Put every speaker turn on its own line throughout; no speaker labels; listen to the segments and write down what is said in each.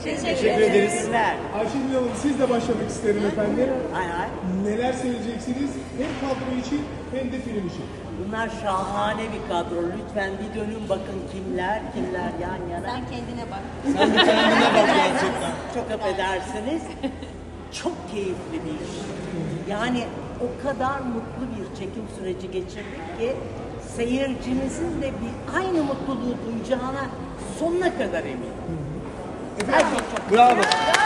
Teşekkür ederiz.
Ayşegül Hanım siz de başlamak isterim efendim.
Hay hay.
Neler söyleyeceksiniz hem kadro için hem de film için?
Bunlar şahane bir kadro. Lütfen bir dönün bakın kimler yan yana.
Sen kendine bak.
Sen bir kendine bak gerçekten.
Çok affedersiniz. Çok keyifli bir iş. Yani o kadar mutlu bir çekim süreci geçirdik ki seyircimizin de bir aynı mutluluğu duyacağına sonuna kadar eminim. Her şey çok
Bravo.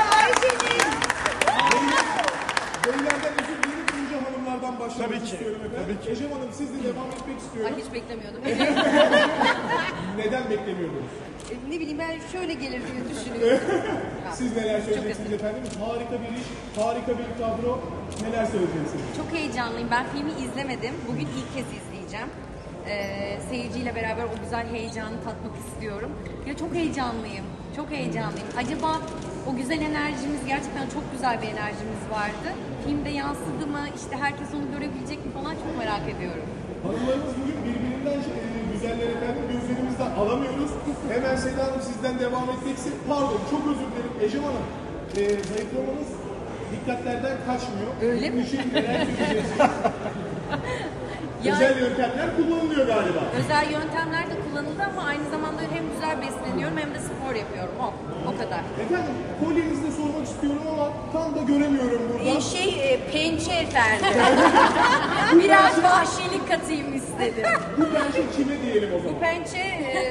Beylerden özür dilerim, önce hanımlardan başlamak
Tabii ki,
istiyorum efendim.
tabii ki.
Ecem Hanım siz de devam etmek istiyorum.
Ay hiç beklemiyordum.
Neden beklemiyordunuz?
Ne bileyim ben şöyle gelir diye düşünüyorum.
Siz neler söyleyeceksiniz efendim? Harika bir iş, harika bir kadro. Neler söyleyeceksiniz?
Çok heyecanlıyım. Ben filmi izlemedim. Bugün ilk kez izleyeceğim. Seyirciyle beraber o güzel heyecanı tatmak istiyorum. Ya çok heyecanlıyım. Çok heyecanlıyım. Acaba o güzel enerjimiz, gerçekten çok güzel bir enerjimiz vardı. Filmde yansıdı mı? İşte herkes onu görebilecek mi falan, çok merak ediyorum.
Hanımlarımız bugün birbirinden güzeller efendim. Gözlerimizden alamıyoruz. Hemen Seda Hanım sizden devam edeceksin. Pardon, çok özür dilerim. Ecem Hanım, zayıflamanız dikkatlerden kaçmıyor.
Öyle mi?
Bunun için neler söyleyeceksiniz? Özel yöntemler kullanılıyor galiba.
Özel yöntemler de kullanıldı ama aynı zamanda hem güzel besleniyorum hem de spor yapıyorum. O kadar.
Efendim, kolyenizde sormak istiyorum ama tam da göremiyorum burada.
Pençe efendim. Biraz vahşilik katayım istedim.
Bu pençe kime diyelim o
Bu
zaman?
pençe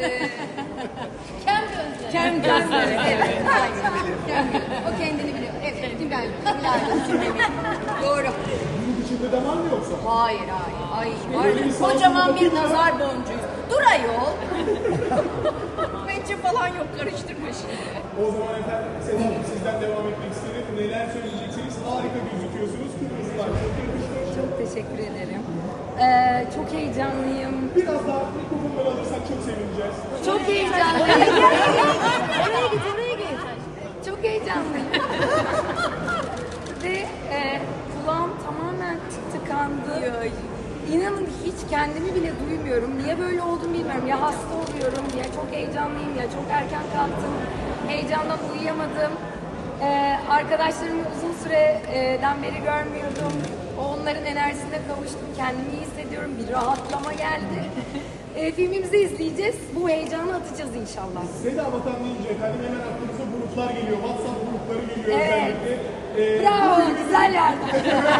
kem gözleri. Kem gözleri. Evet. Kem gözleri. O kendini biliyor. Evet. Tübel. Doğru.
Bunun içinde de var mı yoksa?
Hayır. Ay,
Böyle bir
var. Kocaman bir
bakayım ya.
nazar boncuğu. Dur ayol. Pençe falan yok. Karıştırma şimdi.
O zaman efendim Seda Hanım sizden devam etmek isterim. Neler söyleyeceksiniz? Harika gözüküyorsunuz. Kırmızılar çok yakıştı.
Çok teşekkür ederim. Çok heyecanlıyım.
Biraz daha mikrofonları alırsak çok sevineceğiz.
Çok heyecanlıyım. Oraya git. Çok heyecanlıyım. Ve kulağım tamamen tıkandı. İnanın hiç kendimi bile duymuyorum. Niye böyle oldum bilmiyorum. Ya hasta oluyorum, ya çok heyecanlıyım, ya çok erken kalktım. Heyecandan uyuyamadım. Arkadaşlarımı uzun süreden beri görmüyordum. Onların enerjisine kavuştum. Kendimi iyi hissediyorum. Bir rahatlama geldi. Filmimizi izleyeceğiz. Bu heyecanı atacağız inşallah.
Seda Vatan deyince efendim hemen aklımıza gruplar geliyor. WhatsApp grupları geliyor
Evet.
özellikle.
Bravo, güzel yerden.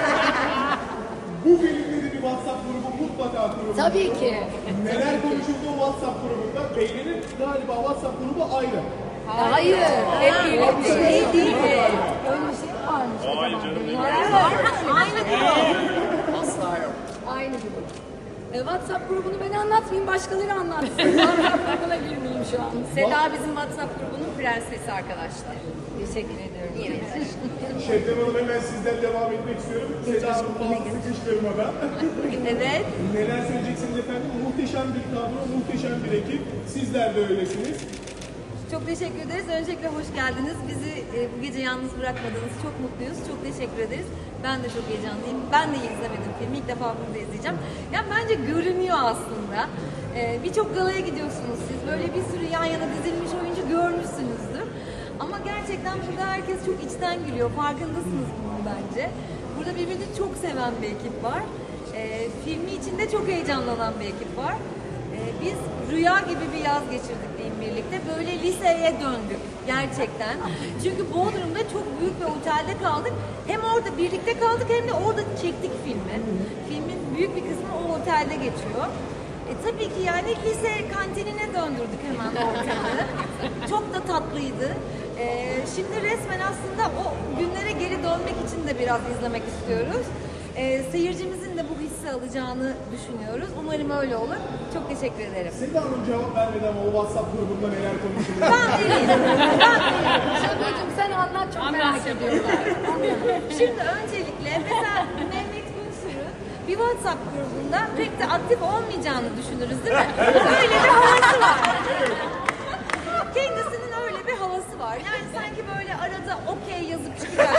Bu filmde de bir WhatsApp grubu mutlaka kurulur.
Tabii ki.
Neler konuşuldu o WhatsApp grubunda? Beylerin galiba WhatsApp grubu ayrı.
Hayır, hep birlikte. Şey değil mi? Öyle bir şey varmış. Hayır canım. Aynı grup.
Asla yok.
Aynı grup. WhatsApp grubunu ben anlatmayayım, başkaları anlatsın. WhatsApp grubuna girmeyeyim şu an.
Seda bizim WhatsApp grubunun prensesi arkadaşlar.
Teşekkür ediyorum.
Şebnem Hanım hemen sizden devam etmek istiyorum. Seda Hanım fazla sıkıştırmadan.
Evet.
Neler söyleyeceksiniz efendim? Muhteşem bir kadro, muhteşem bir ekip. Sizler de öylesiniz.
Çok teşekkür ederiz. Öncelikle hoş geldiniz. Bizi bu gece yalnız bırakmadınız. Çok mutluyuz. Çok teşekkür ederiz. Ben de çok heyecanlıyım. Ben de izlemedim filmi. İlk defa bunu da izleyeceğim. Yani bence görünüyor aslında. Birçok galaya gidiyorsunuz siz. Böyle bir sürü yan yana dizilmiş oyuncu görmüşsünüzdür. Ama gerçekten burada herkes çok içten gülüyor. Farkındasınız bunun bence. Burada birbirini çok seven bir ekip var. Filmi içinde çok heyecanlanan bir ekip var. Biz rüya gibi bir yaz geçirdik diyeyim birlikte. Böyle liseye döndük gerçekten. Çünkü Bodrum'da çok büyük bir otelde kaldık. Hem orada birlikte kaldık hem de orada çektik filmi. Filmin büyük bir kısmı o otelde geçiyor. Tabii ki yani lise kantinine döndürdük hemen ortamı. Çok da tatlıydı. Şimdi resmen aslında o günlere geri dönmek için de biraz izlemek istiyoruz. Seyircimizin de bu hissi alacağını düşünüyoruz. Umarım öyle olur. Çok teşekkür ederim.
Seda Hanım cevap vermedi ama o WhatsApp grubunda neler konuşuluyor?
Ben değilim.
Şadıcığım sen anlat, çok merak ediyorlar.
Şimdi öncelikle mesela Mehmet Günsür'ün bir WhatsApp grubunda pek de aktif olmayacağını düşünürüz değil mi? Öyle bir havası var. Kendisinin öyle bir havası var. Yani sanki böyle arada okey yazıp çıkıyor.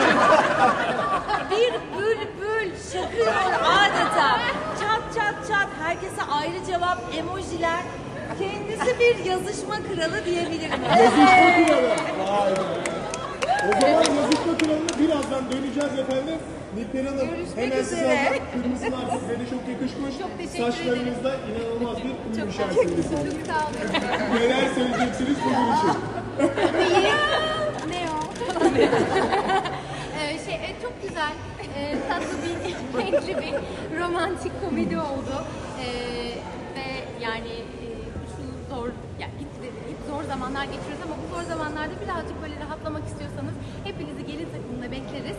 Bir bülbül şakıyor adeta. Çat çat çat. Herkese ayrı cevap, emojiler. Kendisi bir yazışma kralı diyebilirim.
Yazışma kralı. Vay be. Nilperi Hanım,
Görüşmek
hemen size
üzere.
alacağım. Kırmızılar sizlere de çok yakışmış.
Çok teşekkür
Saçlarınızda inanılmaz bir uyum içerisindesiniz.
Çok sağ olun.
Neler söyleyeceksiniz bugün için?
Ne o? Çok güzel, tatlı bir, renkli bir romantik komedi oldu. Ve yani şu zor, yani hep zor zamanlar geçiriyoruz ama bu zor zamanlarda birazcık böyle rahatlamak istiyorsanız hepinizi gelin takımına bekleriz.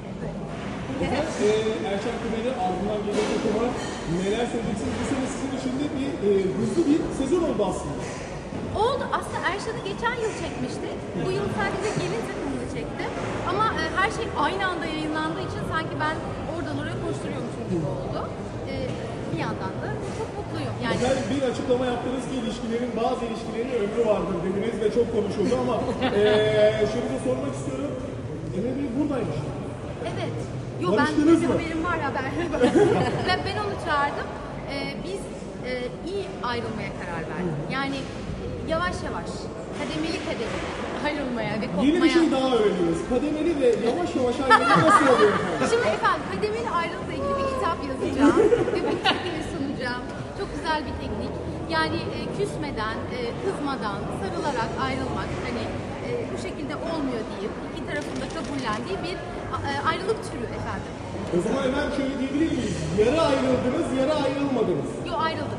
Erçel Kumeli ardından gelecek olarak neler söyleyeceksiniz? Bu sene sizin için de bir hızlı bir sezon oldu aslında.
Oldu. Aslında Erşan'ı geçen yıl çekmişti. Bu yıl sadece gelin takımını çekti. Ama her şey aynı anda yayınlandığı için sanki ben oradan oraya koşturuyormuşum gibi oldu. Bir yandan da çok mutluyum. Yani
Güzel bir açıklama yaptınız ki bazı ilişkilerin ömrü vardır dediniz ve çok konuşuldu ama şunu da sormak istiyorum. Emre Bey buradaymış.
evet. Yo,
Barıştınız
benim
mı?
haberim var ya ben onu çağırdım. Biz iyi ayrılmaya karar verdik. Yani yavaş yavaş, kademeli ayrılmaya ve kopmaya.
Yeni bir şey daha öğreniyoruz. Kademeli ve yavaş yavaş ayrılma nasıl oluyor efendim?
Şimdi efendim kademeli ayrılıkla ilgili bir kitap yazacağım ve bu tekniği sunacağım. Çok güzel bir teknik. Yani küsmeden, kızmadan, sarılarak ayrılmak hani bu şekilde olmuyor deyip iki tarafın da kabullendiği bir ayrılık türü efendim.
O zaman hemen şöyle diyebilir miyiz? Yarı ayrıldınız, yarı ayrılmadınız.
Yo, ayrıldık.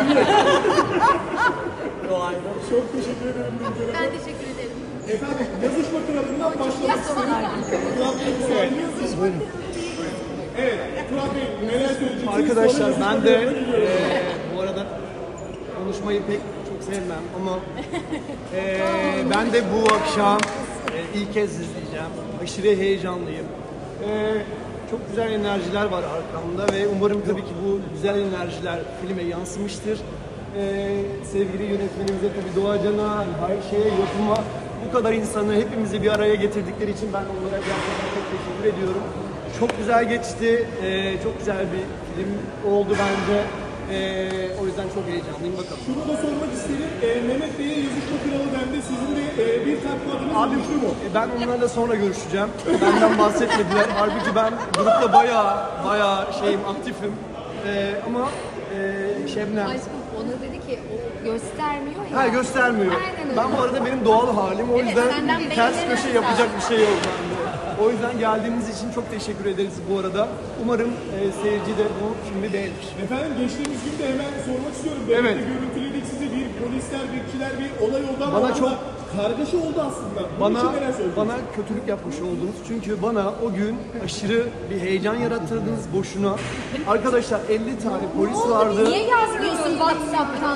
Çok teşekkür ederim Nilperi Hanım.
Ben teşekkür ederim.
Efendim yazışma kralından başlamak istedim. Turat Bey, müsaadeniz mi? Evet, Turat Bey neler söyleyeceksiniz?
Arkadaşlar
Sonra
ben de
yazışma kralına geliyorum.
bu arada konuşmayı pek çok sevmem ama ben de bu akşam ilk kez izleyeceğim. Aşırı heyecanlıyım. Çok güzel enerjiler var arkamda ve umarım tabii ki bu güzel enerjiler filme yansımıştır. Sevgili yönetmenimize tabii Doğacan'a, her şeye, yapıma, bu kadar insanı hepimizi bir araya getirdikleri için ben onlara gerçekten çok teşekkür ediyorum. Çok güzel geçti, çok güzel bir film oldu bence. O yüzden çok heyecanlıyım, bakalım.
Şunu da sormak isterim. Mehmet Bey'e yazışma kralı dendi. Sizin de bir tatlı adınız
Abi
düştü mü?
ben onlarla sonra görüşeceğim. Benden bahsetmediler. Halbuki ben grupta bayağı şeyim, aktifim. Ama Şebnem...
Aşkım ona dedi ki o göstermiyor ya.
Ha, göstermiyor.
Aynen öyle.
Ben bu arada benim doğal halim. O yüzden
senden
ters
beğenilmez
köşe yapacak bir şey yok bende. O yüzden geldiğiniz için çok teşekkür ederiz bu arada. Umarım seyirci de bu filmi beğenir.
Efendim geçtiğimiz gün de hemen sormak istiyorum.
Evet.
Birlikte görüntüledik sizi. Bir polisler, bekçiler bir olay oldu ama
Bana
orada
çok-
kargaşa oldu aslında. Bunun için neler söyleyeceksiniz?
Bana kötülük yapmış oldunuz. Çünkü bana o gün aşırı bir heyecan yarattırdınız boşuna. Arkadaşlar 50 tane polis vardı.
Niye yazmıyorsun WhatsApp'tan?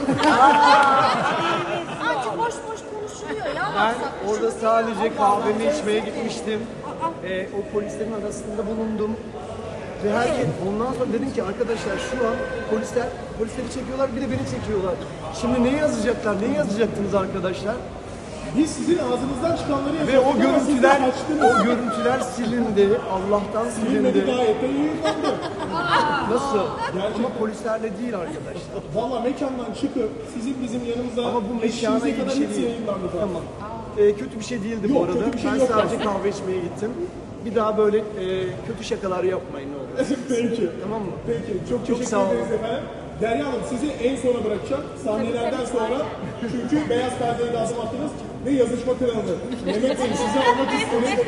Artık boş boş konuşuluyor ya
Ben
WhatsApp.
orada sadece kahvemi içmeye gitmiştim. O polislerin arasında bulundum. Ve herkes ondan sonra dedim ki arkadaşlar şu an polisleri çekiyorlar, bir de beni çekiyorlar. Şimdi ne yazacaktlar? Ne yazacaktınız arkadaşlar?
Biz sizin ağzınızdan çıkanları
Ve
yazıyorduk
o
ama siz de
görüntüler
açtınız.
silindi. Allah'tan
Bilmedi
silindi.
gayet de yayınlandı.
Nasıl? Ama polislerle değil arkadaşlar.
Valla mekandan çıkıp sizin bizim yanımıza
Ama bu mekana
eşiğimize
iyi bir
kadar
şey
hepsi
değil.
yayınlandı.
Tamam. Kötü bir şey değildi
Yok,
bu arada.
kötü bir şey
Ben
yok
sadece
aslında.
kahve içmeye gittim. Bir daha böyle kötü şakalar yapmayın ne olur.
Peki.
Tamam mı?
Peki. Çok teşekkür
sağ olun.
ederiz efendim. Derya Hanım sizi en sona bırakacağım. Sahnelerden sonra. Çünkü beyaz perdeye de adım attınız. Ve yazışma kralı. Mehmet Bey size almak istedim.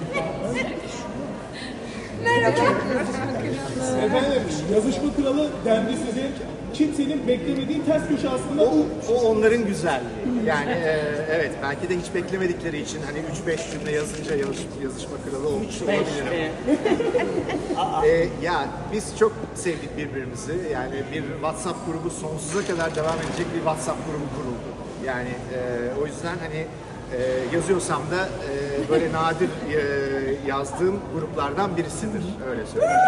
Efendim yazışma kralı dendi size. Kimsenin beklemediği ters köşe aslında bu.
O onların güzelliği. Yani evet belki de hiç beklemedikleri için hani 3-5 cümle yazınca yazışma kralı olmuş olabilirim. Ya biz çok sevdik birbirimizi. Yani bir WhatsApp grubu sonsuza kadar devam edecek bir WhatsApp grubu kuruldu. Yani o yüzden hani yazıyorsam da böyle nadir yazdığım gruplardan birisidir. Öyle söyleyeyim.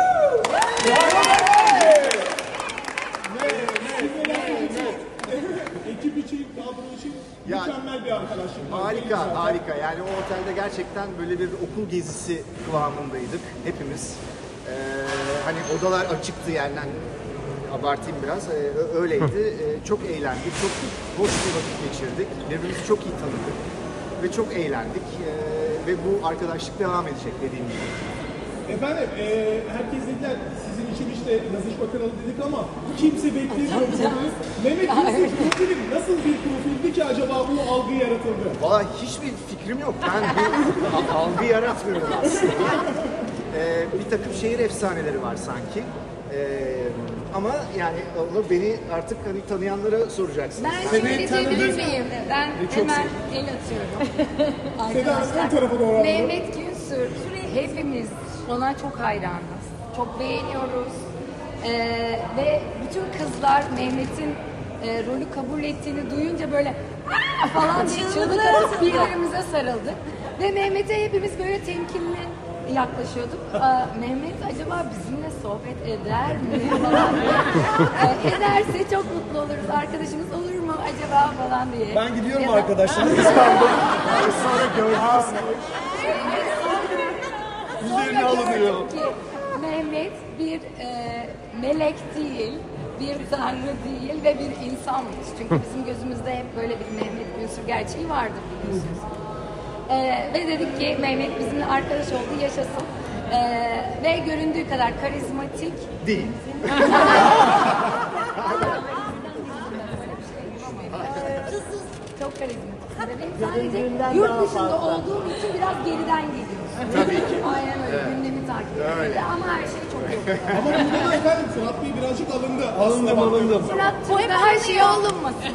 Ekip için, kadro için
Ya,
mükemmel bir arkadaşlık.
Harika. Yani o otelde gerçekten böyle bir okul gezisi kıvamındaydık hepimiz. Hani odalar açıktı yani hani abartayım biraz. Öyleydi. Çok eğlendik, çok hoş bir vakit geçirdik. Birbirimizi çok iyi tanıdık ve çok eğlendik. Ve bu arkadaşlık devam edecek dediğim gibi.
Efendim, herkes dediler sizin için işte yazışma kanalı dedik ama kimse beklemiyor. Mehmet Yusuf profili nasıl bir profildi ki acaba bu algı yaratıldı?
Valla hiçbir fikrim yok. Ben bir algı yaratmıyorum aslında. Bir takım şehir efsaneleri var sanki. Ama yani onu beni artık hani tanıyanlara soracaksınız.
Ben şöyle diyebilir miyim? Ben hemen el atıyorum.
Seda Hanım ön tarafa doğru alalım.
Mehmet Günsür, hepimiz ona çok hayranız. Çok beğeniyoruz. Ve bütün kızlar Mehmet'in rolü kabul ettiğini duyunca böyle "Aa!" falan diye çığlık atıp birbirimize sarıldık. Ve Mehmet'e hepimiz böyle temkinli yaklaşıyorduk. Mehmet acaba bizimle sohbet eder mi falan diye. Ederse çok mutlu oluruz. Arkadaşımız olur mu acaba falan diye.
Ben gidiyorum
Ya da-
arkadaşlar. Kıskandım. Sonra gördünüz. Üzerine alınıyor.
Gördüm ki Mehmet bir melek değil, bir tanrı değil ve bir insanmış. Çünkü bizim gözümüzde hep böyle bir Mehmet Günsür gerçeği vardır biliyorsunuz. Ve dedik ki Mehmet bizimle arkadaş oldu, yaşasın. Ve göründüğü kadar karizmatik
Değil.
çok karizmatik. Benim sadece yurt dışında olduğum için biraz geriden geliyoruz.
Tabii ki.
Aynen öyle. Gündemi takip ediyoruz. Ama her şey çok iyi.
Ama burada da efendim Fırat Bey birazcık alındı.
Alındım.
Murat'cığım da her şey olunmasın.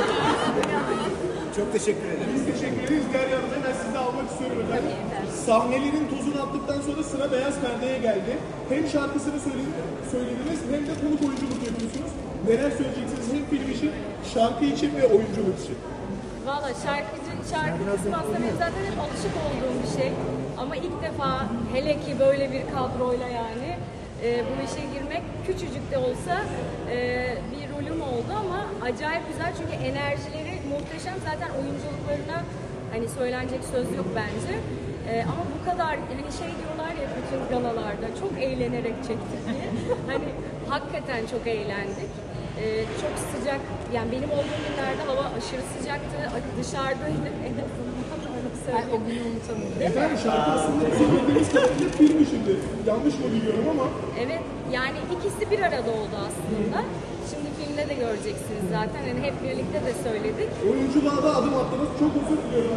Çok teşekkür ederim.
Biz teşekkür ederiz. Derya Hanım hemen sizi almak istiyorum efendim. Sahnelerin tozunu attıktan sonra sıra beyaz perdeye geldi. Hem şarkısını söylediniz hem de konuk oyunculuk yapıyorsunuz. Neler söyleyeceksiniz hem film için, şarkı için ve oyunculuk için?
Valla şarkı kısmı aslında benim zaten hep alışık olduğum bir şey. Ama ilk defa hele ki böyle bir kadroyla yani bu işe girmek küçücük de olsa bir rolüm oldu ama acayip güzel çünkü enerjileri muhteşem. Zaten oyunculuklarına hani söylenecek söz yok bence. Ama bu kadar hani şey diyorlar ya bütün galalarda çok eğlenerek çektik diye. Hani hakikaten çok eğlendik. Çok sıcak, yani benim olduğum günlerde hava aşırı sıcaktı, dışarıdaydık en azından öyle söyleyeyim.
O günü unutamıyorum.
Efendim şarkı aslında bizim bildiğimiz kadarıyla film işinde. Yanlış mı biliyorum ama
Evet, yani ikisi bir arada oldu aslında. Şimdi filmde de göreceksiniz zaten, hani hep birlikte de söyledik.
oyunculuğa da adım attınız. Çok özür diliyorum.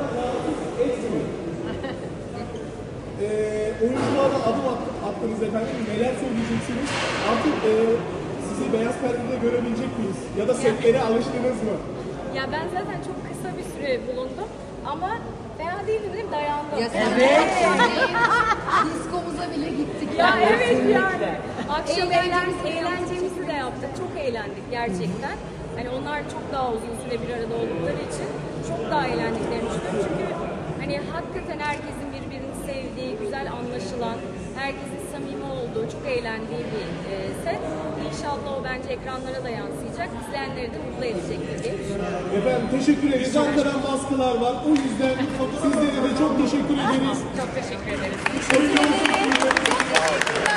Oyunculuğa da adım attınız efendim. Neler söyleyeceksiniz? Artık sizi beyaz perdede görebilecek miyiz? Ya da setlere alıştınız mı?
Ya ben zaten çok kısa bir süre bulundum ama fena değildi değil mi? Dayandım.
Ya evet. Diskomuza bile gittik.
Ya evet yani. Akşam eğlencemizi de yaptık. Çok eğlendik gerçekten. Hani onlar çok daha uzun süre bir arada oldukları için çok daha eğlendiklerini düşünüyorum. Çünkü hani hakikaten herkesin birbirini sevdiği, güzel anlaşılan, herkesin samimi olduğu, çok eğlendiği bir set. İnşallah o bence ekranlara da yansıyacak. İzleyenleri de mutlu edecektir diye düşünüyorum.
Efendim teşekkür ederiz. Ankara'dan baskılar var. O yüzden sizlere de çok teşekkür ederiz.
Çok teşekkür ederiz.
Oyunculuk-